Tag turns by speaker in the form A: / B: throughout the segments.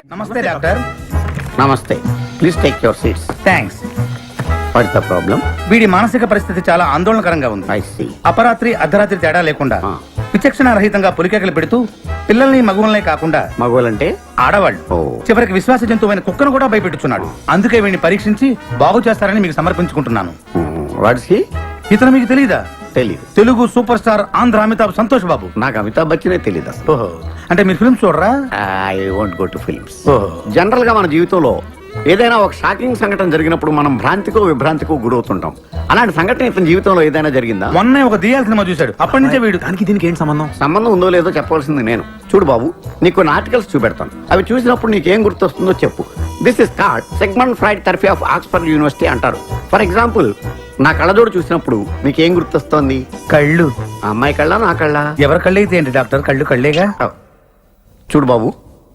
A: నమస్తే డాక్టర్.
B: నమస్తే. Please take your seats.
A: Thanks.
B: What's the problem?
A: వీడి మానసిక పరిస్థితి చాలా ఆందోళనకరంగా ఉంది.
B: I see.
A: అపరాత్రి అర్ధరాత్రి తేడా లేకుండా విచక్షణ రహితంగా పులికేకలు పెడుతూ పిల్లల్ని మగువల్నే కాకుండా
B: మగవాళ్ళంటే
A: ఆడవాళ్ళు చివరికి విశ్వాస జంతువైన కుక్కను కూడా భయపెట్టుచున్నాడు. అందుకే వీడిని పరీక్షించి బాగు చేస్తారని మీకు సమర్పించుకుంటున్నాను.
B: Watts he?
A: ఇతను మీకు తెలీదా?
B: తెలీదు.
A: Telugu super star Andhra Amitabh Santosh Babu.
B: నాకు అమితాబ్ బచ్చనే తెలీదు అసలు.
A: ఓహో, అంటే మీరు ఫిల్మ్స్ చూడరా?
B: I won't go to films.
A: ఓహో.
B: జనరల్ గా మన జీవితంలో ఏదైనా ఒక షాకింగ్ సంఘటన జరిగినప్పుడు మనం భ్రాంతికో విభ్రాంతికో గురవుతుంటాం. అలాంటి సంఘటన ఇతని జీవితంలో ఏదైనా జరిగిందా?
A: మొన్నే ఒక దియాల సినిమా చూశాడు. అప్పటి నుంచే వీడు
C: దానికి దీనికి ఏంటి సంబంధం?
B: సంబంధం ఉందో లేదో చెప్పాల్సింది నేను. చూడు బాబు, నీకు కొన్ని ఆర్టికల్స్ చూపెడతాను. అవి చూసినప్పుడు నీకేం గుర్తొస్తుందో చెప్పు. This is called segment Freud therapy of Oxford University అంటారు. ఫర్ ఎగ్జాంపుల్, నా కళ్ళజోడు చూసినప్పుడు నీకేం గుర్తొస్తోంది?
A: కళ్ళు.
B: ఆ అమ్మాయి కళ్ళ, నా కళ్ళ?
A: ఎవరి కళ్ళు అయితే ఏంటి డాక్టర్, కళ్ళు కళ్ళేగా.
B: చూడు బాబు,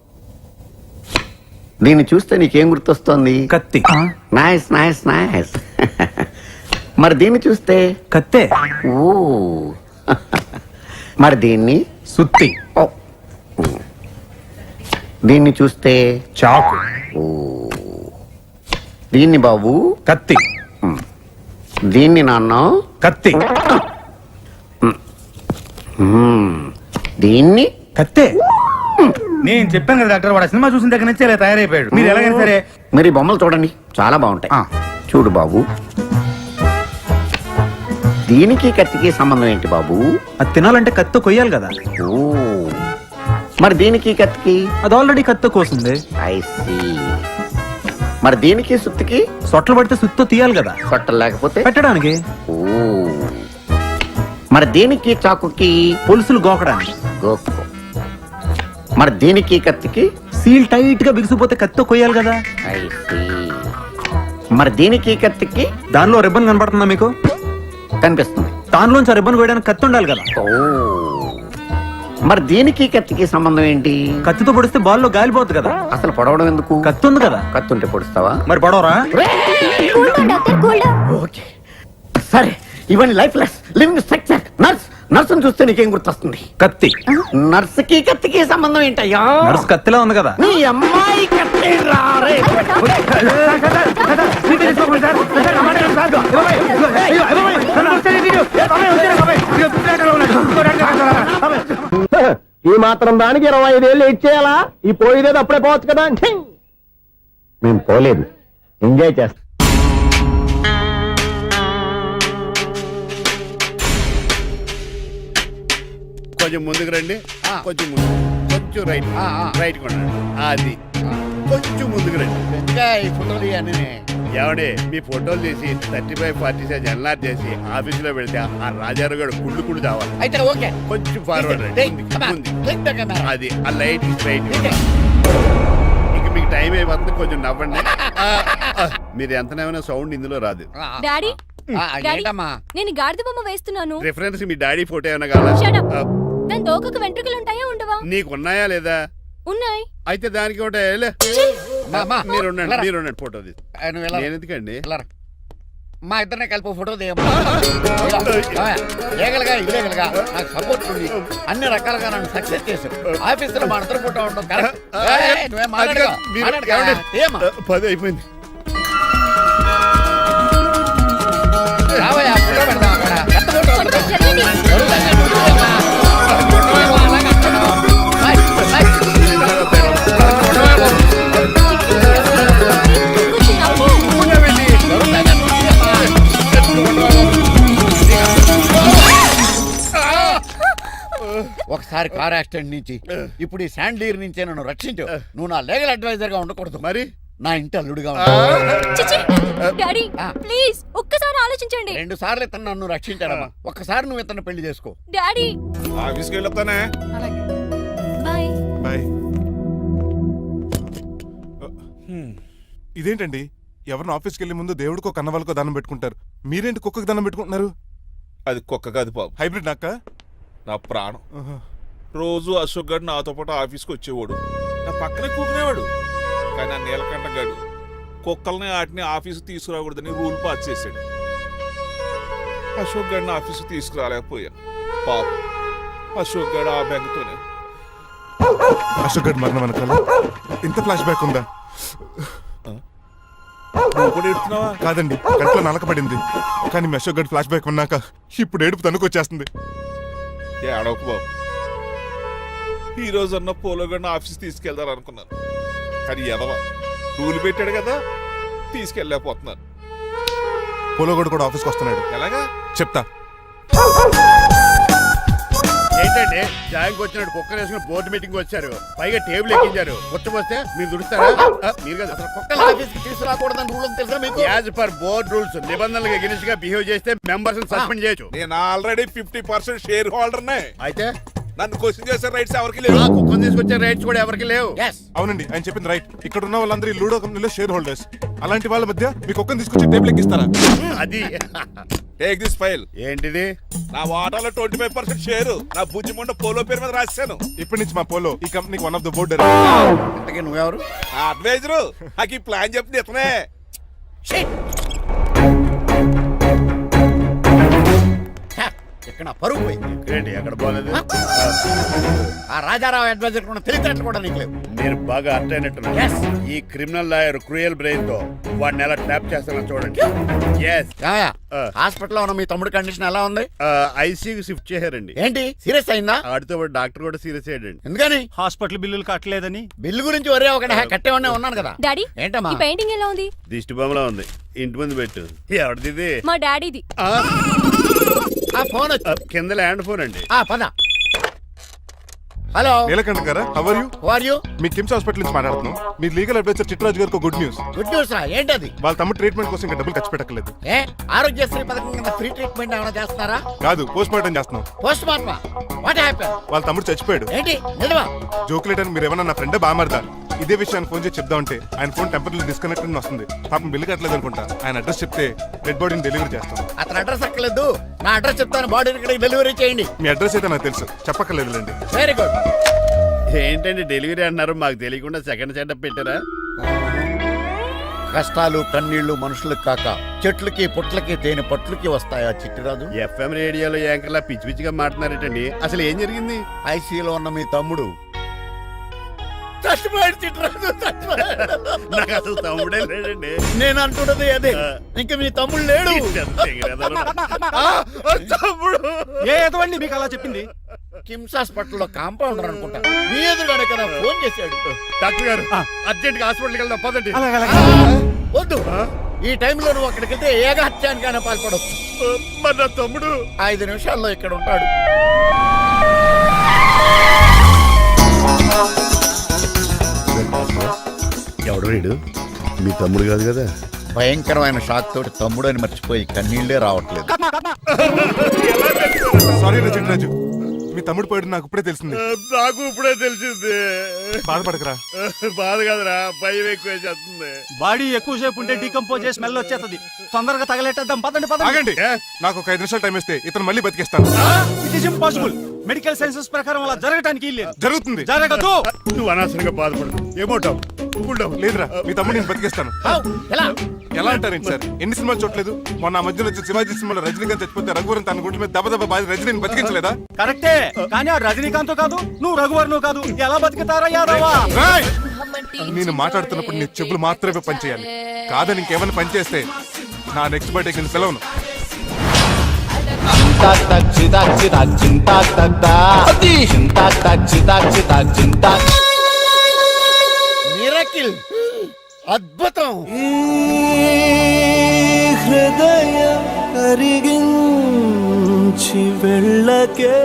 B: దీన్ని చూస్తే నీకేం గుర్తొస్తోంది?
C: కత్తి.
B: Nice nice nice. మరి దీన్ని చూస్తే?
C: కత్తే.
B: ఓ. మరి దీన్ని?
C: సుత్తి.
B: ఓ. దీన్ని చూస్తే?
C: చాకు.
B: ఓ. దీన్ని బాబు?
C: కత్తి.
B: దీన్ని నాన్న?
C: కత్తి.
B: దీన్ని?
C: కత్తే.
A: నేను చెప్పాను కదా డాక్టర్, వాడు సినిమా చూసిన దగ్గర నుంచి ఇలా తయారైపోయాడు. మీరు ఎలాగైనా సరే
B: మరి బొమ్మలు చూడండి, చాలా బాగుంటాయి. చూడు బాబు, దీనికి కత్తికి సంబంధం ఏంటి బాబు?
C: అది తినాలంటే కత్తి కొయ్యాలి కదా.
B: ఓ. మరి దీనికి కత్తికి?
C: అది ఆల్రెడీ కత్తి కోసింది.
B: I see. మరి దీనికి సుత్తికి?
C: సొట్లు పడితే సుత్తో తీయాలి కదా.
B: సొట్టలు లేకపోతే
C: పెట్టడానికి.
B: ఓ. మరి దీనికి చాకుకి?
C: పులుసులు గోకడానికి.
B: గోకు. మరి దీనికి కత్తికి?
C: సీల్ టైట్ గా బిగిసిపోతే కత్తితో కొయ్యాలి కదా.
B: I see. మరి దీనికి కత్తికి?
C: దానిలో రిబ్బన్ కనపడుతుందా మీకు?
B: కనిపిస్తుంది.
C: దానిలోంచి ఆ రిబ్బన్ కొయ్యడానికి కత్తి ఉండాలి కదా.
B: ఓ. మరి దీనికి కత్తికి సంబంధం ఏంటి?
C: కత్తితో పొడిస్తే బాల్లో గాలిపోతుంది కదా.
B: అసలు పొడవడం ఎందుకు?
C: కత్తి ఉంది కదా.
B: కత్తి ఉంటే పొడుస్తావా?
C: మరి పొడవరా?
B: ఓకే, సరే. ఇవన్నీ life less living structure. Nurse, నర్సును చూస్తే నీకేం గుర్తొస్తుంది?
C: కత్తి.
B: నర్సుకి కత్తికి సంబంధం ఏంటయ్యా?
C: నర్సు కత్తిలా ఉంది కదా.
B: నీ అమ్మాయి కత్తి రారే.
D: ఈ మాత్రం దానికి 25 ఏళ్ళు ఇచ్చేయాలా? ఈ పోయేదేదో అప్పుడే పోవచ్చు కదా.
B: మేము పోలేదు,
D: ఎంజాయ్ చేస్తాం.
E: కొంచెం ముందుకు రండి, కొంచెం ముందు, కొంచెం రైట్, రైట్ కొనండి. అది కొంచెం ముందుకు రండి.
B: ఈ ఫోటోలు అన్నీ
E: ఏమండి, మీ ఫోటోలు తీసి 35, 40 సైజ్ ఎన్లార్ చేసి ఆఫీసులో పెడితే ఆ రాజారావు గారు కుళ్ళు చావాలి.
B: అయితే ఓకే,
E: కొంచెం ఫార్వర్డ్ రండి. అది ఆ లైట్ స్ట్రైట్. ఇక మీకు టైం అయిపోతుంది, కొంచెం నవ్వండి. మీరు ఎంతనేమైనా సౌండ్ ఇందులో రాదు.
F: డాడీ, నేను గాడిద బొమ్మ వేస్తున్నాను.
E: రిఫరెన్స్ మీ డాడీ ఫోటో ఏమైనా కావాలా?
F: దాని దోకకు వెంట్రుకలు ఉంటాయా ఉండవా?
E: నీకు ఉన్నాయా లేదా?
F: ఉన్నాయి.
E: అయితే దానికి ఒకటే మీరు ఉండండి, ఫోటో తీసి. నేను ఎందుకండి?
B: మా ఇద్దరినే కలిపి ఫోటో లీగల్గా ఇల్లీగల్గా నాకు సపోర్ట్ ఉంది. అన్ని రకాలుగా నన్ను సక్సెస్ చేశారు. ఆఫీసులో మా ఇద్దరు ఫోటో ఉండడం కరెక్ట్.
E: 10 అయిపోయింది.
B: ఒకసారి కార్ యాక్సిడెంట్ నుంచి, ఇప్పుడు ఈ శాండీర్ నుంచే నన్ను రక్షించు. నువ్వు నా లీగల్ అడ్వైజర్ గా ఉండకూడదు,
E: మరి
B: నా ఇంటి అల్లుడుగా
F: డాడీ ప్లీజ్ ఒక్కసారి ఆలోచించండి.
B: 2 సార్లు ఇతను నన్ను రక్షించాడమ్మా. ఒక్కసారి నువ్వు ఇతను పెళ్లి చేసుకో.
F: డాడీ
E: ఆఫీస్కి వెళ్ళొస్తానే.
F: బాయ్.
G: బాయ్. ఇదేంటండి, ఎవరిని ఆఫీస్కి వెళ్ళే ముందు దేవుడికో కన్నవాళ్ళకో దండం పెట్టుకుంటారు, మీరేంటి కుక్కకి దండం పెట్టుకుంటున్నారు?
H: అది కుక్క కాదు బాబు,
G: హైబ్రిడ్ నక్క.
H: నా ప్రాణం. రోజు అశోక్ గడు నాతో పాటు ఆఫీస్కి వచ్చేవాడు, నా పక్కనే కూకునేవాడు. కానీ ఆ నీలకంఠ గడు కుక్కల్ని వాటిని ఆఫీసు తీసుకురాకూడదని రూల్ పాస్ చేశాడు. అశోక్ గడిని ఆఫీసు తీసుకురాలేకపోయా. పాపం అశోక్ గడు ఆ బెంగతోనే
G: అశోక్ గడ్ మరణం వెనకాల ఇంత ఫ్లాష్ బ్యాక్ ఉందా?
H: నువ్వు కూడా ఎడుతున్నావా?
G: కాదండి, కంట్లో నలకబడింది. కానీ మీ అశోక్ గడ్ ఫ్లాష్ బ్యాక్ ఉన్నాక ఇప్పుడు ఏడుపు తనుకొచ్చేస్తుంది.
H: ఏ అడవకు బాబు. ఈ రోజు అన్న పోలో గడిని ఆఫీస్ తీసుకెళ్దారు అనుకున్నాను, కానీ ఎదవా రూల్ పెట్టాడు కదా, తీసుకెళ్ళలేకపోతున్నాను.
G: పోలోగోడు కూడా ఆఫీస్కి వస్తున్నాడు.
H: ఎలాగా
G: చెప్తా.
E: ఏంటంటే జాయింగ్ వచ్చినట్టు కుక్కర్ వేసుకుని బోర్డు మీటింగ్ వచ్చారు, పైగా టేబుల్ ఎక్కించారు. వస్తే మీరు దుడుస్తారా? మీరు కదా అసలు
B: కుక్కల ఆఫీస్కి తీసుకురాకూడదని రూల్ తెలుసా మీకు?
E: యాజ్ పర్ బోర్డ్ రూల్స్ నిబంధనలకు ఎగిరిస్ట్ గా బిహేవ్ చేస్తే మెంబర్స్ సస్పెండ్ చేయొచ్చు.
H: నేను ఆల్రెడీ 50% షేర్ హోల్డర్నే.
E: అయితే
H: నన్ను క్వశ్చన్ చేసే రైట్స్ ఎవరికి లేవు.
E: ఆ కుక్కను తీసుకొచ్చే రైట్స్ కూడా ఎవరికి లేవు.
G: అవునండి, ఆయన చెప్పింది రైట్. ఇక్కడ ఉన్న వాళ్ళందరూ ఈ లూడో కంపెనీలో షేర్ హోల్డర్స్. అలాంటి వాళ్ళ మధ్య మీ కుక్కను తీసుకొచ్చి టేబుల్ ఎక్కిస్తారా?
E: అది
H: టేక్ దిస్ ఫైల్.
E: ఏంటిది?
H: నా వాటాలో 25% షేరు నా బుజ్జిమండ పోలో పేరు మీద రాశాను.
G: ఇప్పటి నుంచి మా పోలో ఈ కంపెనీకి వన్ ఆఫ్ ద బోర్డ్.
B: ఇంతకీ నువ్వెవరు?
H: అడ్వైజరు నాకు ఈ ప్లాన్ చెప్పింది ఇతనే.
B: ఇక్కడ నా పరుగు పోయి.
E: ఏంటి ఎక్కడ పోలేదు?
B: ఆ రాజారావు అడ్వైజర్ కూడా తెలియటట్లు కూడా నీకు లేవు.
E: నేను బాగా అర్థ అయినట్టున్నా.
B: Yes.
E: ఈ క్రిమినల్ లాయర్ క్రూయల్ బ్రెయిన్ తో వాడిని ఎలా ట్రాప్ చేస్తానో చూడండి. ఎస్
B: ఏమయ్య,
E: ఆ.
B: హాస్పిటల్లో ఉన్న మీ తమ్ముడి కండిషన్ ఎలా ఉంది?
E: ఐసీయూకి షిఫ్ట్ చేశారండి.
B: ఏంటి సీరియస్ అయిందా?
E: ఆడితో పాటు డాక్టర్ కూడా సీరియస్ అయ్యాడండి.
B: ఎందుకని?
C: హాస్పిటల్ బిల్లులు కట్టలేదని.
B: బిల్లు గురించి ఒరే ఒకటి కట్టేవాడినే ఉన్నాను కదా.
F: డాడీ
B: ఏంటమ్మా?
F: ఈ పెయింటింగ్ ఎలా ఉంది?
E: దిష్టి బొమ్మలా ఉంది, ఇంటి ముందు పెట్టు. ఎవరిది ఇది?
F: మా డాడీది.
E: ఆ,
B: ఆ ఫోన్ వచ్చి
E: కింద ల్యాండ్ ఫోన్ అండి.
B: పద. హలో,
G: నీలకంఠ గారా, how are you?
B: Who are you?
G: మీ కిమ్స్ హాస్పిటల్ నుంచి మాట్లాడుతున్నాం. మీ లీగల్ అడ్వైజర్ చిట్రాజు గారికి గుడ్ న్యూస్.
B: గుడ్ న్యూస్ రా. ఏంటది?
G: వాళ్ళ తమ్ముడు ట్రీట్మెంట్ కోసం ఇంకా డబ్బులు ఖర్చు పెట్టలేదు.
B: ఏ ఆరోగ్యశ్రీ పథకం కింద ఫ్రీ ట్రీట్మెంట్ ఏమైనా చేస్తున్నారా?
G: కాదు, పోస్ట్ మార్టం చేస్తున్నాం.
B: పోస్ట్ మార్టమా? What happen?
G: వాళ్ళ తమ్ముడు చచ్చిపోయాడు.
B: ఏంటి నిజమా?
G: జోకులేటని మీరు ఏమన్నా నా ఫ్రెండ్ బామర్దా? ఇదే విషయాన్ని ఫోన్ చేసి చెప్దామంటే ఆయన ఫోన్ టెంపరీ డిస్కనెక్ట్ అని వస్తుంది. పాపం బిల్లు కట్టలేదు అనుకుంటా. ఆయన అడ్రస్ చెప్తే డెడ్ బాడీని డెలివరీ చేస్తాం.
B: అతని అడ్రస్ అక్కర్లేదు, నా అడ్రస్ చెప్తాను, బాడీని ఇక్కడికి డెలివరీ చేయండి.
G: మీ అడ్రస్ అయితే నాకు తెలుసు, చెప్పక్కర్లేదులేండి.
B: Very good.
E: ఏంటండి డెలివరీ అన్నారు, మాకు తెలియకుండా సెకండ్ సెటప్ పెట్టారా?
B: కష్టాలు కన్నీళ్లు మనుషులకు కాక చెట్లకి పుట్లకి తేనె పట్లకి వస్తాయా చిట్టిరాజు?
E: ఎఫ్ఎం రేడియోలో యాంకర్లా పిచ్చి పిచ్చిగా మాట్లాడారేటండి. అసలు ఏం జరిగింది?
B: ఐసీలో ఉన్న మీ తమ్ముడు చచ్చిపోయాడు చిట్టిరాజు, చచ్చిపోయాడు.
E: నాకు అసలు తమ్ముడే లేడండి.
B: నేను అంటున్నది అదే. ఇంకా మీ తమ్ముడు లేడు.
E: తమ్ముడు
C: ఏ ఎదవండి మీకు అలా చెప్పింది?
B: కిమ్స్ హాస్పిటల్లో కాంపౌండర్ అనుకుంటా మీ ఎదురుగానే కదా ఫోన్ చేశాడు.
E: డాక్టర్ గారు అర్జెంట్ గా హాస్పిటల్కి వెళ్దాం పదండి.
B: వద్దు, ఈ టైంలో నువ్వు అక్కడికి వెళ్తే ఏకహత్యానికైనా పాల్పడవచ్చు.
E: మరి నా తమ్ముడు
B: 5 నిమిషాల్లో ఇక్కడ ఉంటాడు.
E: ఎవడు వీడు? మీ తమ్ముడు కాదు కదా?
B: భయంకరమైన షాక్ తోటి తమ్ముడు అని మర్చిపోయి కన్నీళ్లే రావట్లేదు.
G: సారీ రా చిట్రాజు, మీ తమ్ముడు పోయాడు నాకు ఇప్పుడే తెలిసింది.
E: నాకు ఇప్పుడే తెలిసింది.
G: బాధపడకరా.
E: బాధ కాదురా, భయం ఎక్కువ చేస్తుంది.
C: బాడీ ఎక్కువసేపు ఉంటే డీకంపోజ్ చేసి స్మెల్ వచ్చేస్తుంది. తొందరగా తగలెట్టేద్దాం, పదండి పదండి.
G: ఆగండి, నాకు ఒక 5 నిమిషాలు టైం ఇస్తే ఇతను మళ్ళీ బతికేస్తాను.
C: It is impossible. Medical sciences ప్రకారం అలా జరగటానికి లేదు.
G: జరుగుతుంది.
C: జరగదు.
E: నువ్వు అనవసరంగా బాధపడదు. ఏమోటావు?
G: లేదురా, మీ తమ్ముడు నేను బతికేస్తాను.
B: ఎలా?
G: ఎలా అంటారేంటి సార్? ఎన్ని సినిమాలు చూడలేదు? మొన్న ఆ మధ్యలో వచ్చే శివాజీ సినిమాలో రజనీకాంత్ చచ్చిపోతే రఘువరన్ తన గుండె మీద దెబ్బ బాధ రజనీని బతికించలేదా?
C: కరెక్టే, కానీ ఆ రజనీకాంత్ కాదు, నువ్వు రఘువర్ను కాదు. ఎలా బతుకుతారా యాదవా?
G: రాయ్! నేను మాట్లాడుతున్నప్పుడు నీ చెప్పులు మాత్రమే పనిచేయాలి. కాదని ఇంకేమైనా పనిచేస్తే నా నెక్స్ట్ బర్త్డేకి నేను సెలవును.
B: మిరకిల్, అద్భుతం.
I: హృదయం కరిగించి వెళ్ళకే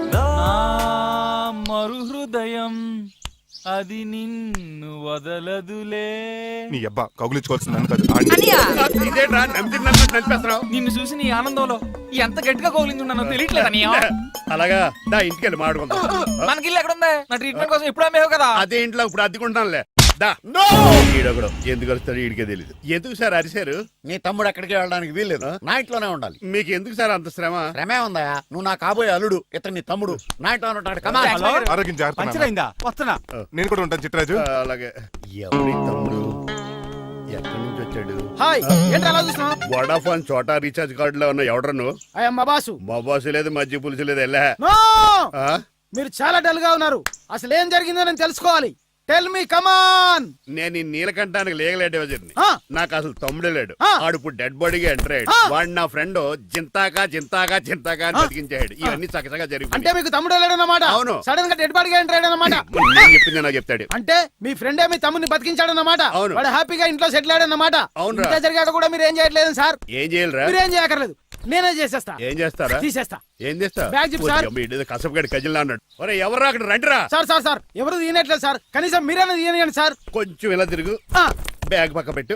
I: మరు హృదయం అది నిన్ను వదలదులే.
G: నీ అబ్బా కౌగులించుకోవాల్సింది నన్ను కాదు, ఆడిని.
E: ఇదేంట్రా నడిపేస్తున్నావు?
I: నిన్ను చూసి నీ ఆనందంలో ఎంత గట్టిగా కౌగిలించున్నానో తెలియట్లేదా?
E: అలాగా దా ఇంటికి వెళ్ళి మాడుకుందాం.
I: మనకి ఇల్లు ఎక్కడ ఉంది? నా ట్రీట్మెంట్ కోసం ఎప్పుడు అమ్మేవు కదా.
E: అదే ఇంట్లో ఇప్పుడు అద్దెకుంటానులే. దా. ఈడొకడు ఎందుకు వస్తాడు ఈడికే తెలియదు. ఎందుకు సార్ అరిశారు?
B: నీ తమ్ముడు ఎక్కడికి వెళ్ళడానికి వీల్లేదు, నా ఇంట్లోనే ఉండాలి.
E: మీకు ఎందుకు సార్ అంత శ్రమ?
B: శ్రమే ఉందా? నువ్వు నా కాబోయే అల్లుడు, ఇతను నీ తమ్ముడు, నా ఇంట్లో ఉంటాడు. కమా.
G: ఆరోగ్యం జాగ్రత్త నాన్న.
C: పంచరైందా? వస్తున్నా.
G: నేను కూడా ఉంటాను చిట్రాజు.
E: అలాగే. ఎవరి తమ్ముడు ఎక్కడి నుంచి వచ్చాడు?
D: హాయ్, ఏంటి అలా చూస్తున్నావు?
E: వడాఫోన్ చోటా రీఛార్జ్ కార్డు లో ఉన్న ఎవడరు నువ్వు?
D: అయ్యమ్మ బాసు.
E: మా బాసు లేదు, మజ్జి పులుసు లేదు. వెళ్ళా
D: నో! మీరు చాలా డల్ గా ఉన్నారు. అసలు ఏం జరిగిందో నేను తెలుసుకోవాలి. Tell me come on.
E: నేను ఈ నీలకంఠానికి లీగల్ అడ్వైజర్ని.
D: ఆ.
E: నాకు అసలు తమ్ముడే లేడు.
D: ఆ.
E: ఆడు ఇప్పుడు డెడ్ బాడీగా ఎంటర్ అయ్యాడు.
D: ఆ.
E: వాడు నా ఫ్రెండ్ జింతాగా అని బతికించాడు. ఇవన్నీ చక్కగా
D: అంటే
E: జరిగిపోయి
D: మీకు తమ్ముడు వెళ్ళాడన్నమాట.
E: అవును.
D: సడన్ గా డెడ్ బాడీగా ఎంటర్ అయ్యాడన్నమాట.
E: నేను చెప్పింది నాకు చెప్తాడు.
D: అంటే మీ ఫ్రెండే మీ తమ్ముని బతికించాడన్నమాట.
E: అవును.
D: వాడు హ్యాపీగా ఇంట్లో సెటిల్ అయ్యాడన్నమాట.
E: అవునురా.
D: ఇంత జరిగాక కూడా మీరు ఏం చేయట్లేదు సార్.
E: ఏం చేయాలిరా?
D: మీరేం చేయక్కర్లేదు, నేనే చేసేస్తా.
E: ఏం చేస్తారా?
D: తీసేస్తా.
E: ఏం చేస్తా?
D: బ్యాగ్ చెప్పు సార్.
E: కసపగడి కజిల్లా అన్నాడు. ఒరే ఎవరు అక్కడ రండిరా.
D: సార్ ఎవరు తీయనట్లేదు సార్. కనీసం మీరైనా తీయనియండి సార్.
E: కొంచెం ఇలా తిరుగు.
D: ఆ.
E: బ్యాగ్ పక్క పెట్టు.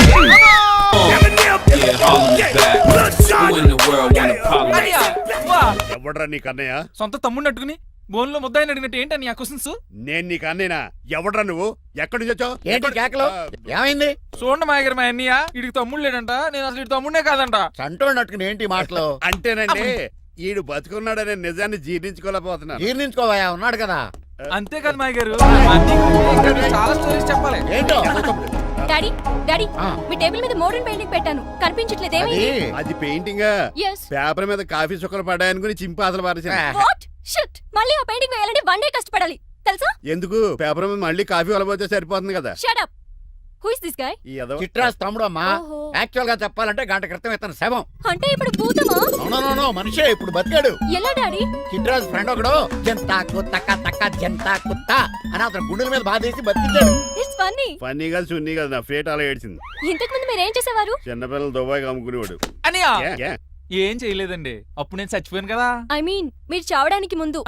I: అన్నయ్య, వా.
E: ఎవడరా నీ కన్నయ్య?
I: సొంత తమ్ముడిని అట్టుకుని బోన్ లో ముద్దాయిని అడిగినట్టు ఏంటని ఆ క్వశ్చన్స్?
E: నేను నీ కన్నయ్యనా? ఎవడరా నువ్వు? ఎక్కడి నుంచి వచ్చావు?
B: ఏంటి కేకలు? ఏమైంది?
I: చూడండి మాయగారు మా అన్నయ్య, ఇడికి తమ్ముడు లేడంట. నేను అసలు ఇటు తమ్ముడే కాదంట.
B: చంటోడినట్టుకుని ఏంటి మాటలు?
E: అంటేనండి ఈడు బతుకున్నాడనే నిజాన్ని జీర్ణించుకోలేకపోతున్నాను.
B: జీర్ణించుకోవా, ఉన్నాడు కదా.
I: అంతేకాదు మాయగారు, చాలా స్టోరీస్ చెప్పాలి.
B: ఏంటో
F: డాడీ డాడీ
B: ఆ.
F: మీ టేబుల్ మీద మోడర్న్ పెయింటింగ్ పెట్టాను, కనిపించట్లేదేమి?
B: అది
E: అది పెయింటింగ్.
F: ఎస్.
E: పేపర్ మీద కాఫీ చుక్కలు పడ్డాయనుకుని చింపాసలు పారేసాను.
F: వాట్ షిట్, మళ్ళీ ఆ పెయింటింగ్ వేయాలంటే 1 డే కష్టపడాలి తెలుసా?
E: ఎందుకు? పేపర్ మీద మళ్ళీ కాఫీ వలబోతే సరిపోతుంది కదా.
F: Shut up. Who is this guy?
E: ఈ ఎదవ.
B: చిట్రాజ్ తమ్ముడు అమ్మా.
F: ఓహో.
B: యాక్చువల్ గా చెప్పాలంటే గంట క్రితం ఇతను శవం.
F: అంటే ఇప్పుడు భూతమా?
B: నో మనిషే ఇప్పుడు బతికాడు.
F: ఎలా డాడీ?
B: చిట్రాజ్ ఫ్రెండ్ ఒకడు జంతాకు తక్క జంతా కుత్త అని అతను గుండెల మీద బాధేసి బతికించాడు.
F: It's funny.
E: ఫన్నీ కాదు, సున్నీ కాదు, నా ఫేట్ అలా ఏడ్చింది.
F: ఇంతకు ముందు మీరు ఏం చేసేవారు?
E: చిన్నపిల్లలు దుబాయ్ అమ్ముకునేవాడు.
I: అన్నయ్య,
E: ఏ, ఏ?
I: ఏం చేయలేదండి. అప్పుడు నేను చచ్చిపోయాను కదా.
F: ఐ మీన్ మీరు చావడానికి ముందు.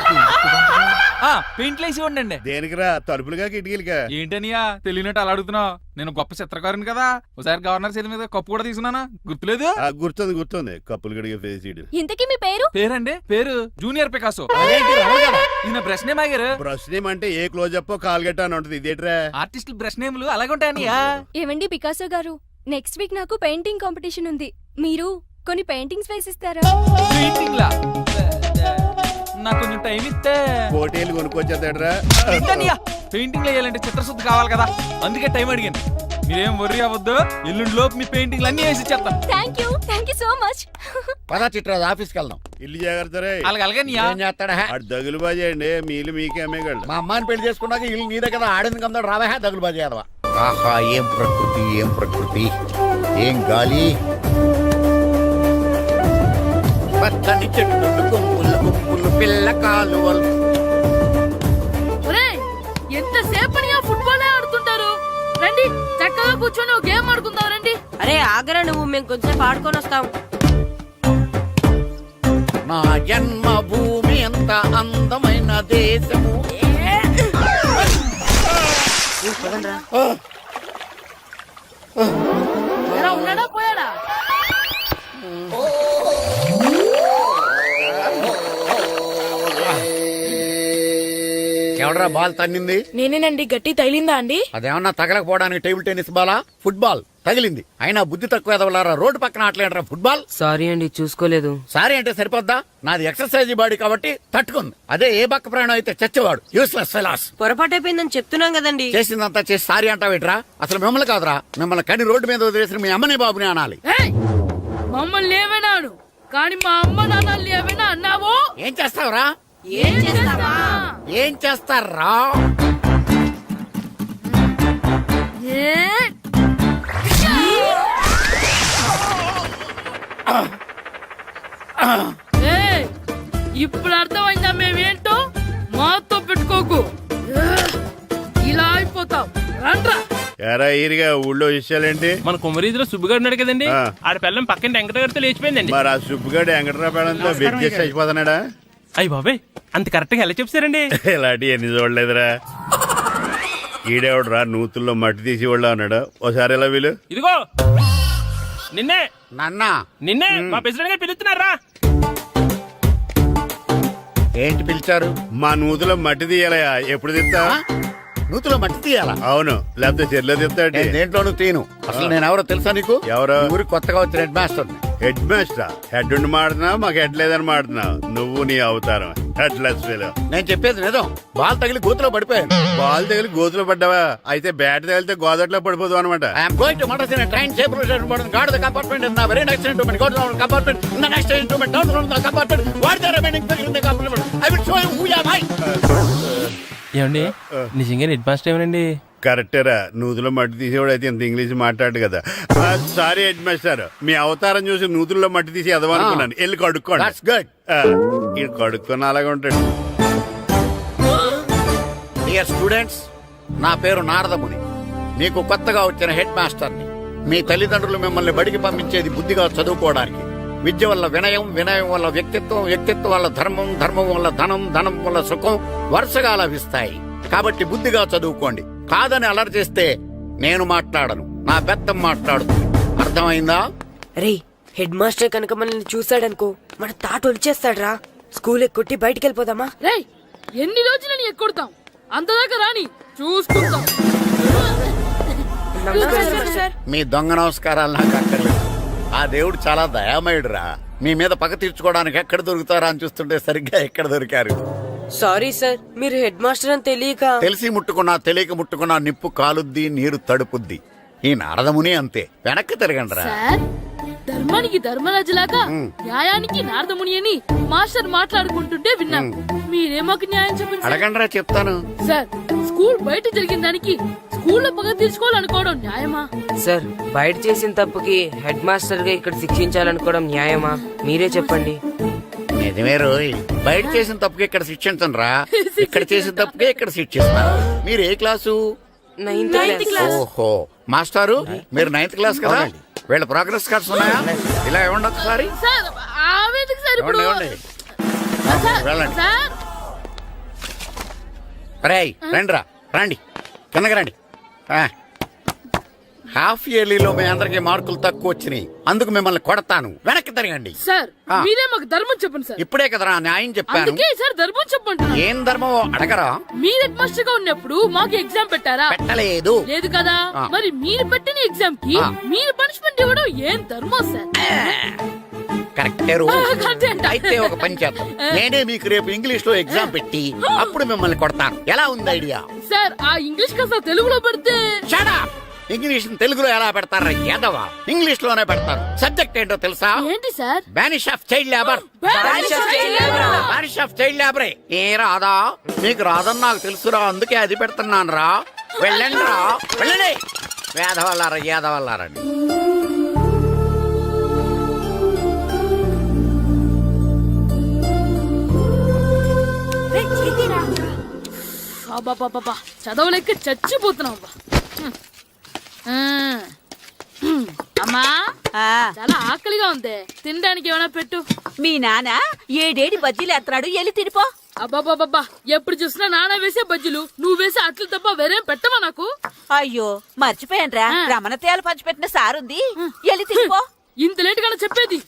I: పెయింట్లు వేసి ఉండండి.
E: దేనికిరా? తలుపులుగా కిటికీలుగా?
I: ఏంటనియా తెలియనట్టు అలా అడుగుతున్నావు? నేను గొప్ప చిత్రకారుని కదా. ఒకసారి గవర్నర్ చేతి మీద కప్పు కూడా తీసుకున్నానా? గుర్తులేదు?
E: గుర్తుంది. కప్పులు గడిగే ఫేస్ ఈడు.
F: ఇంతకీ మీ పేరు?
I: పేరండి, పేరు జూనియర్ పికాసో.
B: అదేంటి రమణ గారు?
I: ఈయన బ్రష్ నేమ్ ఆగారు.
E: బ్రష్ నేమ్ అంటే ఏ క్లోజప్ కాల్గట్ట అని ఉంటది. ఇదేట్రా?
I: ఆర్టిస్టుల బ్రష్ నేమ్లు అలాగే ఉంటాయనియా.
F: ఏవండి పికాసో గారు, నెక్స్ట్ వీక్ నాకు పెయింటింగ్ కాంపిటీషన్ ఉంది. మీరు కొన్ని పెయింటింగ్స్ వేసిస్తారా?
I: పెయింటింగ్ లా నాకు కొంచెం టైం ఇస్తే.
E: కోటేలు కొనుక్కొచ్చేదేట్రా?
I: పెయింటింగ్ వేయాలంటే చిత్రశుద్ధి కావాలి కదా, అందుకే టైం అడిగాను. మీరేం వర్రీ అవ్వద్దు, ఎల్లుండి లోపు మీ పెయింటింగ్లు అన్ని వేసి ఇచ్చేస్తాను.
F: Thank you so much.
B: పదా చిట్రాజ్ ఆఫీస్కి వెళ్దాం.
E: ఇల్లు జాగ్రత్త రే.
I: అలాగే
B: ఏం చేస్తాడా?
E: ఆడు దగులు బాజీ అండి. మీలు మీకే అమ్మేగాళ్ళు.
B: మా అమ్మాయిని పెళ్లి చేసుకున్నాక ఇల్లు నీదే కదా, ఆడింది కదా, రావా దగులు బాజీ అదవా. ఆహా, ఏం ప్రకృతి, ఏం గాలి. పచ్చని చెట్లు, గుంపులు పిల్ల కాలువలు.
J: ఎంతసేపని ఆ ఫుట్బాల్ ఆడుతుంటారు? రండి చక్కగా కూర్చొని ఒక గేమ్ ఆడుకుందాం రండి. అరే ఆగరా నువ్వు, మేము కొంచెం ఆడుకొని వస్తాం.
B: నా జన్మభూమి ఎంత అందమైన దేశము.
J: ఉన్నాడా పోయాడా?
B: ఎవడరా బాల్ తన్నింది?
J: నేనేనండి. గట్టి తగిలిందా అండి?
B: అదేమన్నా తగలకపోవడానికి టేబుల్ టెన్నిస్ బాలా, ఫుట్బాల్ తగిలింది. అయినా బుద్ధి తక్కువ ఎదవలారా, రోడ్డు పక్కన ఆటలేడరా ఫుట్బాల్.
J: సారీ అండి, చూసుకోలేదు.
B: సారీ అంటే సరిపోద్దా? నాది ఎక్సర్సైజ్ బాడీ కాబట్టి తట్టుకుంది. అదే ఏ బక్క ప్రాణం అయితే చచ్చేవాడు. Useless fellas.
J: పొరపాటు అయిపోయిందని చెప్తున్నాం కదండి.
B: చేసిందంతా చేసి సారీ అంటావేట్రా? అసలు మిమ్మల్ని కాదురా, మిమ్మల్ని కని రోడ్డు మీద వదిలేసిన మీ అమ్మని బాబుని అనాలి.
J: మమ్మల్ని ఏమైనాడు కానీ మా అమ్మ నాన్నల్ని ఏమైనా అన్నావో?
B: ఏం చేస్తావురా?
J: ఏం చేస్తావా?
B: ఏం చేస్తారా?
J: ఇప్పుడు అర్థమైందా మేమేంటో? మాతో పెట్టుకోకు, ఇలా అయిపోతావు. రండ్రా.
E: ఎరా ఈరిగా ఊళ్ళో విషయాలేంటి?
K: మన కుమరీధిలో సుబ్బుగాడు ఉన్నాడు కదండి,
E: ఆ.
K: ఆడ పిల్లం పక్కన వెంకటగారితో లేచిపోయిందండి.
E: మరి ఆ సుబ్బుగాడు వెంకటరాపేడంతో వెయిట్ చేసి అయిపోతున్నాడా?
K: అయ్యి బాబాయ్, అంత కరెక్ట్ గా ఎలా చెప్తారండి?
E: ఇలాంటి ఎన్ని చూడలేదురా. ఈడేవడరా నూతుల్లో మట్టి తీసి వాళ్ళు అన్నాడు. ఓసారి ఎలా వీలు?
K: ఇదిగో నిన్నే
B: నాన్న
K: మా ప్రెసిడెంట్ గారు పిలుస్తున్నారా?
B: ఏంటి పిలిచారు?
E: మా నూతులో మట్టి తీయాలయా. ఎప్పుడు తీస్తా?
B: నూతులో మట్టి తీయాలా?
E: అవును, లేకపోతే చెర్లో తీస్తా.
B: నేను దేంట్లోనూ తీను. అసలు నేను ఎవరో తెలుసా నీకు?
E: ఎవరు?
B: ఊరికి కొత్తగా వచ్చిన head master.
E: Head master head ఉండి మాడుతున్నావు మాకు హెడ్ లేదని మాడుతున్నావు నువ్వు నీ అవతారం హెడ్ లెస్ ఫీలో.
B: నేను చెప్పేది నిజం. బాల్ తగిలి గోతులో పడిపోయాను.
E: బాల్ తగిలి గోతులో పడ్డావా? అయితే బ్యాట్ తగిలితే గోదట్లో పడిపోదు అనమాట.
B: I'm going to Madras in train safe station guard the compartment in the very next instrument go to compartment in the next instrument down from the compartment what the remaining thing in the compartment I will show you who am I.
K: ఏమండి నిజంగా head master ఏమనండి?
E: కరెక్టేరా, నూతులో మట్టి తీసేవాడు అయితే ఇంత English మాట్లాడు కదా. Sorry head master, మీ అవతారం చూసి నూతుల్లో మట్టి తీసి ఎదవనుకున్నాను. వెళ్ళి కడుక్కోండి.
B: That's good.
E: ఇది కడుక్కొని అలాగే ఉంటాడు.
B: డియర్ స్టూడెంట్స్, నా పేరు నారదముని. మీకు కొత్తగా వచ్చిన హెడ్ మాస్టర్ని. మీ తల్లిదండ్రులు మిమ్మల్ని బడికి పంపించేది బుద్ధిగా చదువుకోవడానికి. విద్య వల్ల వినయం, వినయం వల్ల వ్యక్తిత్వం, వ్యక్తిత్వం వల్ల ధర్మం, ధర్మం వల్ల ధనం, ధనం వల్ల సుఖం వరుసగా లభిస్తాయి. కాబట్టి బుద్ధిగా చదువుకోండి. కాదని అలర్ చేస్తే నేను మాట్లాడను, నా పెద్దం మాట్లాడుతుంది. అర్థమైందా?
J: రే హెడ్ మాస్టర్ కనుక మనల్ని చూసాడనుకో మన తాట వచ్చేస్తాడ్రా. స్కూల్ ఎక్కొట్టి బయటికి వెళ్ళిపోదామా?
L: రే ఎన్ని రోజులని ఎక్కొడతాం, అంతదాకా రాని చూసుకుంటాం.
B: మీ దొంగ నమస్కారాలు నాకు అక్కర్లేదు. ఆ దేవుడు చాలా దయామయుడురా. మీ మీద పగ తీర్చుకోవడానికి ఎక్కడ దొరుకుతారా అని చూస్తుంటే సరిగ్గా ఎక్కడ దొరికారు.
J: సారీ సార్, మీరు హెడ్ మాస్టర్ అని తెలియక.
B: తెలిసి ముట్టుకున్నా తెలియక ముట్టుకున్నా నిప్పు కాలుద్ది, నీరు తడుపుద్ది. ఈ నారదముని అంతే. వెనక్కి తిరగండిరా.
L: సార్ ధర్మానికి ధర్మరాజులాగా న్యాయానికి నారదముని అని మాస్టర్ మాట్లాడుకుంటుంటే విన్నాం. మీరేమాకు న్యాయం చెప్పండి సార్.
B: అడగండిరా, చెప్తాను.
L: సార్ స్కూల్ బయట జరిగిన దానికి స్కూల్లో పగ తీర్చుకోవాలనుకోవడం న్యాయమా?
J: సార్ బయట చేసిన తప్పుకి హెడ్ మాస్టర్ గా ఇక్కడ శిక్షించాలనుకోవడం న్యాయమా? మీరే చెప్పండి.
B: నిజమే రోయ్, బయట చేసిన తప్పుకి ఇక్కడ శిక్షించను రా. ఇక్కడ చేసిన తప్పుకే ఇక్కడ శిక్షిస్తాను. మీరు ఏ క్లాసు?
J: 9th class.
B: ఓహో, మాస్టారు మీరు 9th క్లాస్ కదా. వీళ్ళ ప్రోగ్రెస్ కార్డ్స్ ఉన్నాయా? ఇలా ఇవ్వండి ఒకసారి.
L: సార్ ఆవేదకు సార్ ఇప్పుడు
B: ఇవ్వండి.
L: సార్,
B: వెళ్ళండి.
L: సార్
B: రేయ్ రండిరా, రండి కిందకి రండి. హాఫ్ ఇయర్లీలో మీ అందరికి మార్కులు తక్కువ వచ్చినాయి, అందుకు మిమ్మల్ని కొడతాను. వెనక్కి తిరగండి.
L: సార్ మీరే మాకు ధర్మం చెప్పండి సార్.
B: ఇప్పుడే కదరా న్యాయం చెప్పాను.
L: అందుకే సార్ ధర్మం చెప్పండి.
B: ఏం ధర్మమో అడగరా?
L: మీరు హెడ్ మాస్టర్ గా ఉన్నప్పుడు మాకు ఎగ్జామ్ పెట్టారా?
B: పెట్టలేదు.
L: లేదు కదా. మరి మీరు పెట్టిన ఎగ్జామ్ కి మీరు పనిష్మెంట్ ఇవ్వడం ఏం ధర్మం సార్?
B: కరెక్టే రో. అయితే ఒక పని చేద్దాం, నేనే మీకు రేపు ఇంగ్లీష్ లో ఎగ్జామ్ పెట్టి అప్పుడు మిమ్మల్ని కొడతాను. ఎలా ఉంది ఐడియా?
L: సార్ ఆ ఇంగ్లీష్ కాస్త తెలుగులో పెడితే.
B: Shut up. ఇంగ్లీష్ తెలుగులో ఎలా పెడతారా యాదవా? ఇంగ్లీష్ లోనే పెడతారు. సబ్జెక్ట్ ఏంటో తెలుసా?
L: ఏంటి sir?
B: Banish of child labour. Banish of child లేబరే. ఏ రాదా? మీకు రాదని నాకు తెలుసురా, అందుకే అది పెడుతున్నాను రా. వెళ్ళండి రా, వెళ్ళండి. వేదవల్లారా, యాదవల్లారండి.
L: బాబా చదవలేక చచ్చిపోతున్నాం. అమ్మా చాలా ఆకలిగా ఉంది, తినడానికి ఏమైనా పెట్టు.
J: మీ నాన్న ఏడేడి బజ్జీలు ఎత్తాడు, ఎల్లి తినిపో.
L: అబ్బాబాబా ఎప్పుడు చూసినా నాన్న వేసే బజ్జీలు, నువ్వు వేసే అట్లు తప్ప వేరేం పెట్టవా నాకు?
J: అయ్యో మర్చిపోయానురా, రమణ తేలు పంచిపెట్టిన సారుంది, ఎల్లి తినిపో.
L: ఇంత లేట్ గా చెప్పేది.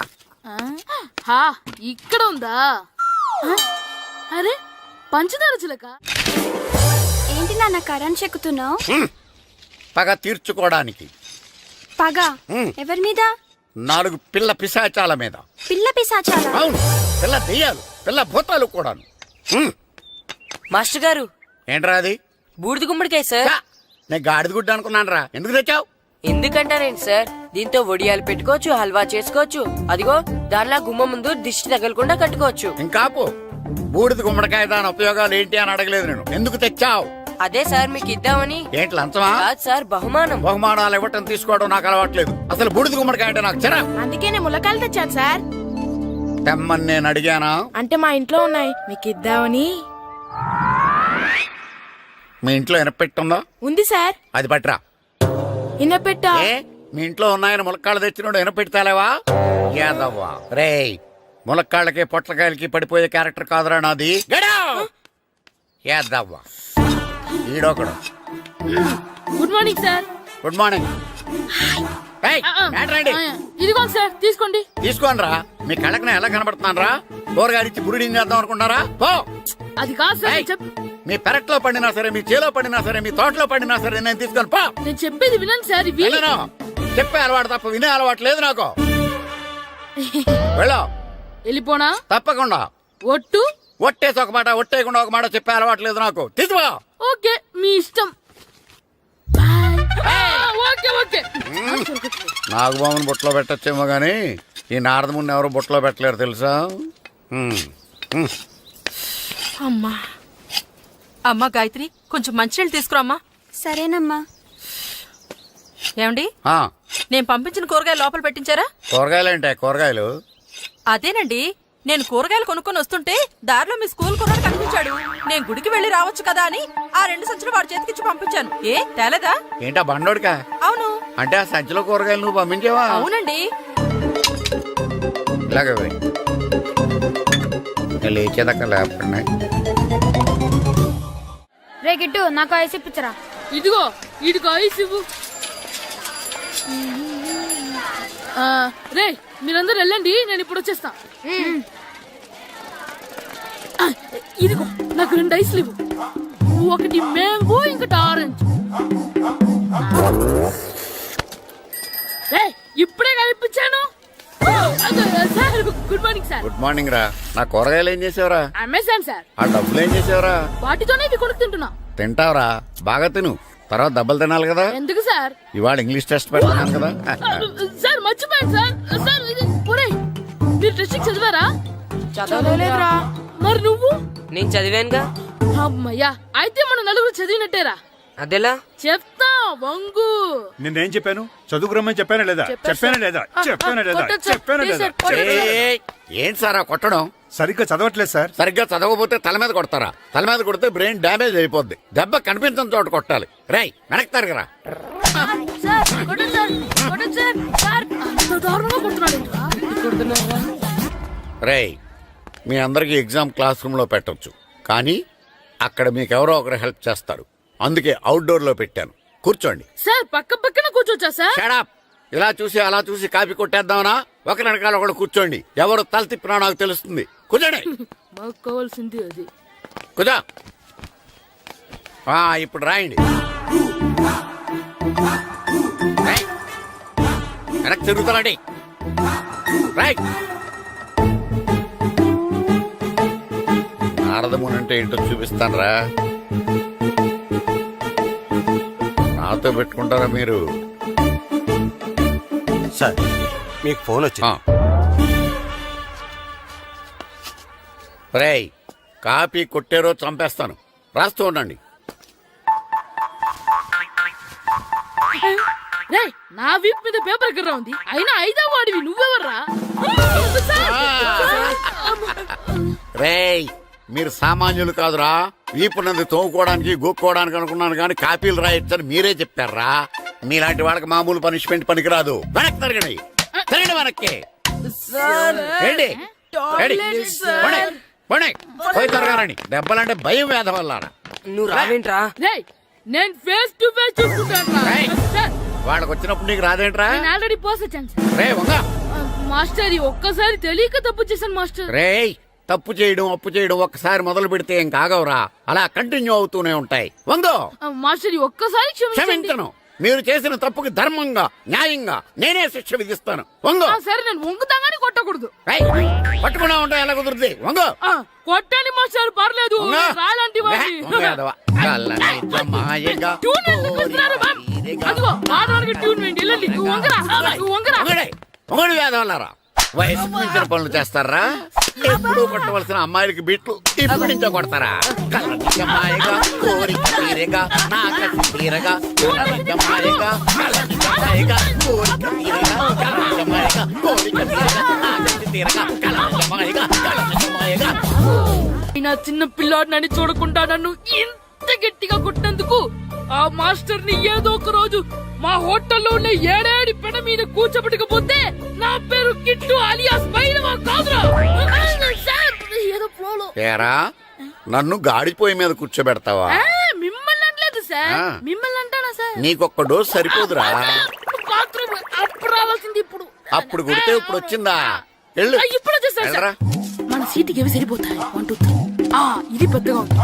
L: ఇక్కడ ఉందా? అరే పంచదార చిలక.
F: ఏంటి నాన్న కరెంట్ చెక్కుతున్నావు?
B: పగ తీర్చుకోవడానికి.
F: పగ ఎవరి మీద?
B: 4 పిల్ల పిశాచాల మీద.
F: పిల్ల పిశాచాల?
B: అవును, పిల్ల దెయ్యాలు, పిల్ల భూతాలు కూడాను.
J: మాస్టర్ గారు
B: ఏంట్రా అది?
J: బూడిద గుమ్మడికాయ సార్.
B: నేను గాడిద గుడ్డ అనుకున్నాను రా. ఎందుకు తెచ్చావు?
J: ఎందుకంటారేంటి సార్, దీంతో వడియాలు పెట్టుకోవచ్చు, హల్వా చేసుకోవచ్చు. అదిగో దానిలా గుమ్మ ముందు దిష్టి తగలకుండా కట్టుకోవచ్చు.
B: ఇంకాపు, బూడిద గుమ్మడికాయ దాని ఉపయోగాలు ఏంటి అని అడగలేదు నేను. ఎందుకు తెచ్చావు?
J: అదే సార్ మీకు ఇద్దామని.
B: ఏంటి లంచమా?
J: కాదు సార్, బహుమానం.
B: బహుమానాలు ఇవ్వటం తీసుకోవడం నాకు అలవాట్లేదు. అసలు బూడిద గుమ్మడికాయ అంటే నాకు చిరా.
L: అందుకే నేను ములకాయలు తెచ్చాను సార్.
B: తెమ్మని నేను అడిగానా?
L: అంటే మా ఇంట్లో ఉన్నాయి, మీకు ఇద్దామని.
B: మీ ఇంట్లో ఎనపెట్టుందా?
L: ఉంది సార్.
B: అది పట్రా.
L: ఇన్నపెట్టా?
B: ఏ మీ ఇంట్లో ఉన్నాయని ములక్కాళ్ళు తెచ్చినోడు ఎనపెడతాలేవా? యాదవ్వా రేయ్, ములక్కాళ్ళకి పొట్లకాయలకి పడిపోయే క్యారెక్టర్ కాదురా నాది. యాదవ్వా ఈడొకడు.
L: Good morning sir.
B: Good morning.
L: ఇదిగోండి సార్, తీసుకోండి.
B: తీసుకోండి రా. మీ కళ్ళకి ఎలా కనబడుతున్నాను రా? కూరగాయలిచ్చి బురిడింగ్ చేద్దాం అనుకుంటారా? పో.
L: అది కాదు సార్.
B: మీ పెరట్లో పండినా సరే, మీ చేలో పండినా సరే, మీ తోటలో పండినా సరే నేను తీసుకొని పో.
L: నేను చెప్పేది వినండి సార్.
B: చెప్పే అలవాటు తప్ప వినే అలవాటు లేదు నాకు. వెళ్ళో.
J: వెళ్ళిపోనా?
B: తప్పకుండా.
J: ఒట్టు?
B: ఒట్టేసి ఒక మాట, ఒట్టేయకుండా ఒక మాట చెప్పే అలవాట్లేదు నాకు. తీసుకో.
J: ఓకే, మీ ఇష్టం. బాయ్. Okay okay.
B: నాగబాబుని బుట్టలో పెట్టచ్చేమో గానీ ఈ నారదముని ఎవరు బుట్టలో పెట్టలేరు తెలుసా.
J: అమ్మా అమ్మా గాయత్రి, కొంచెం మంచినీళ్ళు తీసుకురామ్మా.
F: సరేనమ్మా.
J: ఏమండి,
B: ఆ,
J: నేను పంపించిన కూరగాయలు లోపల పెట్టించారా?
B: కూరగాయలేంటే కూరగాయలు?
J: అదేనండి, నేను కూరగాయలు కొనుక్కొని వస్తుంటే దారిలో మీ స్కూల్ కుర్రాడు కనిపించాడు. నేను గుడికి వెళ్లి రావచ్చు కదా అని ఆ 2 సంచులు వాడి చేతికిచ్చి పంపించాను. ఏ తేలేదా?
B: ఏంటా బండోడికా?
J: అవును.
B: అంటే ఆ సంచిలో కూరగాయలు నువ్వు పంపించావా?
J: అవునండి.
B: ఇలాగే పోయి లేచేదాకా లేపండి.
F: రే గిట్టు, నాకు ఐస్ ఇప్పించరా.
J: ఇదిగో ఇదిగో ఐస్ ఇవ్వు. రే మీరందరూ వెళ్ళండి, నేను ఇప్పుడు వచ్చేస్తా. ఇదిగో నాకు 2 ఐస్లు ఇవ్వు. ఒకటి మ్యాంగో, ఇంకటి ఆరెంజ్. రే ఇప్పుడే కనిపించాను. Sir good morning sir.
B: Good morning రా. నా కూరగాయలు ఏం చేసావురా?
J: Amazon sir.
B: ఆ డబ్బులు ఏం చేసావురా?
J: వాటితోనే ఇవి కొనుక్కు తింటున్నా.
B: తింటావురా, బాగా తిను. తర్వాత దెబ్బలు తినాలి కదా.
J: ఎందుకు సార్?
B: ఇవాళ ఇంగ్లీష్ టెస్ట్ పెడతాను కదా.
J: సార్ మర్చిపోయాను సార్. సార్ ఇది ఒరేయ్, మీరు టెస్టింగ్ చదివారా? చదవలేదురా. మరి నువ్వు?
K: నేను చదివానుగా.
J: అమ్మయ్యా, అయితే మన నలుగురు చదివినట్టేరా.
K: అదెలా?
J: చెప్తా వంగు.
C: నేనేం చెప్పాను? చదువుకురమ్మని చెప్పానా లేదా? చెప్పానా లేదా? చెప్పానా లేదా?
J: కొట్టొచ్చు.
C: చెప్పానా
J: ప్లీజ్
C: లేదా?
J: సార్, కొట్టొచ్చు.
B: ఏయ్, ఏంటి సార్ ఆ కొట్టడం?
C: సరిగ్గా చదవట్లేదు సార్.
B: సరిగ్గా చదవకపోతే తల మీద కొడతారా? తల మీద కొడితే బ్రెయిన్ డ్యామేజ్ అయిపోద్ది. దెబ్బ కనిపించిన చోట కొట్టాలి. రేయ్ వెనక్కి తరగరా.
J: సార్ కొట్టండి సార్, కొట్టండి సార్. సార్ అంత దారుణంగా కొడుతున్నాడు.
B: రేయ్, మీ అందరికి ఎగ్జామ్ క్లాస్ రూమ్ లో పెట్టొచ్చు, కానీ అక్కడ మీకు ఎవరో ఒకరు హెల్ప్ చేస్తారు. అందుకే అవుట్డోర్ లో పెట్టాను. కూర్చోండి.
J: సార్ పక్క పక్కన కూర్చోచ్చా సార్?
B: Shut up. ఇలా చూసి అలా చూసి కాపీ కొట్టేద్దామనా? ఒకరి వెనకాల ఒకడు కూర్చోండి. ఎవరు తల తిప్పినా నాకు తెలుస్తుంది. కూర్చోండి.
J: మాకు కావాల్సింది అది.
B: కూర్చో. ఇప్పుడు రాయండి. రేయ్, వెనక్కి తిరుగుతారండి. రైట్. నారదముని అంటే ఏంటో చూపిస్తాను రా. నాతో పెట్టుకుంటారా మీరు?
C: సార్ మీకు ఫోన్ వచ్చింది.
B: రేయ్, కాపీ కొట్టారో చంపేస్తాను. రాస్తూ ఉండండి.
J: రే నా వీప్ మీద పేపర్ ఎక్కడ ఉంది? అయినా 5వ వాడివి నువ్వెవర్రా?
B: రేయ్, మీరు సామాన్యులు కాదురా. వీపున్నది తోముకోవడానికి గోక్కోవడానికి అనుకున్నాను కానీ కాపీలు రాయొచ్చని మీరే చెప్పారా. మీలాంటి వాళ్ళకి మామూలు పనిష్మెంట్ పనికిరాదు. వెనక్కి తిరగండి. తిరగండి వెనక్కి. ఏంటి? పోయి తిరగారండి. దెబ్బలంటే భయం వేద వల్ల.
K: నువ్వు రావేంట్రా?
J: నేను ఫేస్ టు ఫేస్ చూసుకుంటాను.
B: వాళ్ళకి వచ్చినప్పుడు నీకు రాదేంట్రా?
J: నేను ఆల్రెడీ పోస్ వచ్చాను సార్.
B: రే వంగ.
J: మాస్టర్ ఒక్కసారి తెలియక తప్పు చేశాను మాస్టర్.
B: రేయ్, తప్పు చేయడం అప్పు చేయడం ఒక్కసారి మొదలు పెడితే ఏం కాగవరా. అలా కంటిన్యూ అవుతూనే ఉంటాయి. వందో.
J: మాస్టర్ ఒక్కసారి
B: క్షమించను. మీరు చేసిన తప్పుకి ధర్మంగా న్యాయంగా నేనే శిక్ష విధిస్తాను. వంగో.
J: సరే నేను వంగుతాగానే కొట్టకూడదు.
B: పట్టుకున్నా ఉంటా ఎలా కుదురుతుంది. వంగో.
J: కొట్టండి మాస్టర్, పర్లేదు. రాలాంటి
B: వేదవల్లారా, వయసుకు మించిన పనులు చేస్తారా? ఎప్పుడు కొట్టవలసిన అమ్మాయిలకి బిట్లు ఇప్పుడు నుంచో కొడతారా? కలనిజమాయగా కోరిక తీరగా నాకసి తీరగా కలనిజమాయగా కలనిజమాయగా కోరిక తీరగా కలనిజమాయగా కోరిక తీరగా నాకసి తీరగా కలనిజమాయగా కలనిజమాయగా.
J: నా చిన్న పిల్లాడు నన్ను చూడకుండా నన్ను ఇంత గట్టిగా కొట్టినందుకు ఆ మాస్టర్ ని ఏదో ఒక రోజు మా హోటల్లో ఉన్న 7 పెడ మీద కూర్చోబెట్టకపోతే నా పేరు కిట్టు అలియాస్ బైరవా కాదురా. ఏదో ఫ్లోలో.
B: ఏరా, నన్ను గాడిపోయి మీద కూర్చోబెడతావా?
J: మిమ్మల్ని అనలేదు సార్. మిమ్మల్ని అంటానా సార్?
B: నీకొక్క డోస్ సరిపోదురా.
J: బాత్రూమ్ అప్పుడు రావాల్సింది ఇప్పుడు.
B: అప్పుడు కొడితే ఇప్పుడు వచ్చిందా?
J: ఇప్పుడు వచ్చేసారు సార్. మన సీటుకి ఏవి సరిపోతాయి? 1 2 3. ఇది పెద్దగా ఉంది.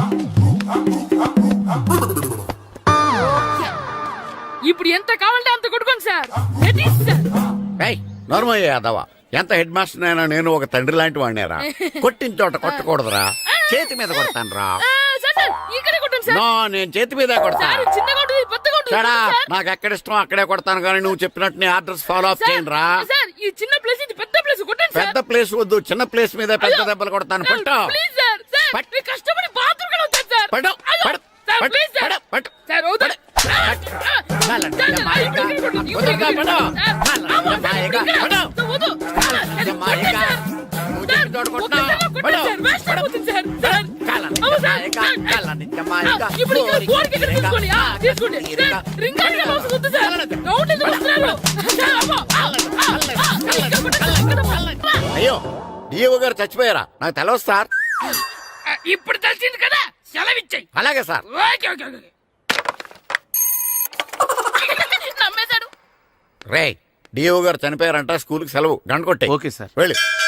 J: ఇప్పుడు ఎంత కావాలంటే అంత కొట్టుకోండి సార్.
B: నోర్మయ్య యాదవ, ఎంత హెడ్ మాస్టర్ అయినా నేను ఒక తండ్రి లాంటి వాడినేరా. కొట్టిన చోట కొట్టకూడదురా, చేతి మీద కొడతాను రా.
L: సార్ సార్ ఇక్కడే కొట్టండి సార్.
B: నో, నేను చేతి మీదే కొడతా.
L: సార్ ఇది చిన్నగా ఉంటుంది, పెద్దగా ఉంటుంది
B: చడా,
L: సార్.
B: నాకు ఎక్కడ ఇష్టం అక్కడే కొడతాను, కానీ నువ్వు చెప్పినట్టు నీ ఆర్డర్స్ ఫాలో అప్ చేయండి రా.
L: సార్ ఈ చిన్న ప్లేస్ ఇది పెద్ద ప్లేస్ కొట్టండి సార్.
B: పెద్ద ప్లేస్ వద్దు, చిన్న ప్లేస్ మీద పెద్ద దెబ్బలు కొడతాను. పట్టు
L: ప్లీజ్ సార్. సార్
B: పట్.
L: మీరు కష్టపడి బాత్రూమ్ కూడా వచ్చారు సార్.
B: పట్టు
L: అయ్యో,
B: పట్టు
L: సార్
B: పట్టు
L: ప్లీజ్ సార్.
B: పట్టు పట్టు
L: సార్ వద్దు.
B: అయ్యో, డిఓ గారు చచ్చిపోయారా? నాకు తెలవదు సార్.
L: ఇప్పుడు తెలిసింది కదా, సెలవిచ్చాయి.
B: అలాగే సార్.
L: Okay okay okay. నమ్మేశాడు.
B: రే, డిఓ గారు చనిపోయారంట, స్కూల్కి సెలవు. గంట కొట్టే.
A: Okay sir.
B: వెళ్ళి